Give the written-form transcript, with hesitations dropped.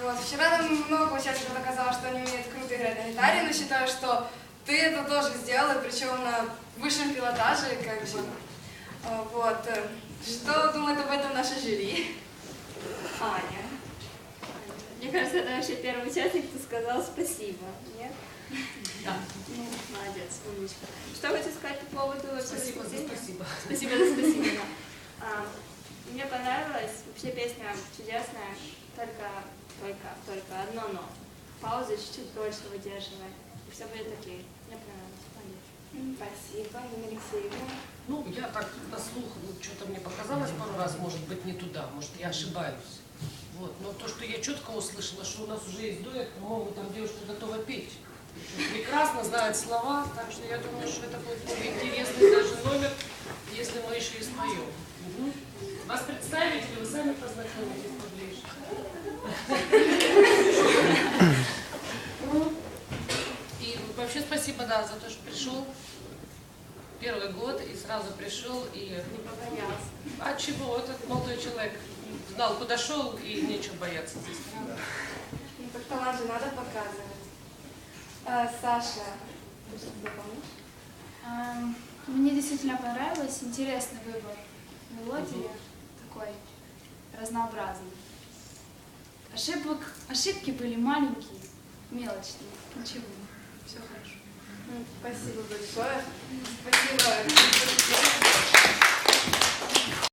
Вот. Вчера нам много участников доказало, что они умеют круто играть на гитаре, но считаю, что ты это тоже сделала, причем на высшем пилотаже, как бы. Вот. Что думает об этом наше жюри? Аня. Мне кажется, это вообще первый участник, кто сказал спасибо. Нет? Да. Ну, молодец, умничка. Что хочу сказать по поводу... Спасибо за спасибо. Спасибо за спасибо, да. Мне понравилась, вообще песня чудесная, только одно но. Паузу чуть-чуть дольше выдерживай, и все будет окей. Мне понравилось. Молодец. Спасибо, Нина Алексеевна. Ну, я так на слух, что-то мне показалось пару раз, может быть, не туда, может, я ошибаюсь. Вот. Но то, что я четко услышала, что у нас уже есть дуэт, по-моему, там девушка готова петь. Прекрасно знает слова, так что я думаю, что это будет более интересный даже номер, если мы еще и споем. Угу. Вас представить или вы сами познакомитесь поближе? И вообще спасибо, да, за то, что пришел. Первый год и сразу пришел и... Не побоялся. А чего? Этот молодой человек знал, куда шел, и нечего бояться здесь. Ну, так талант же надо показывать. Саша, ты что-то помнишь? Мне действительно понравилось, интересный выбор мелодии, такой разнообразный. Ошибки были маленькие, мелочные, ничего, все хорошо. Спасибо большое. Спасибо.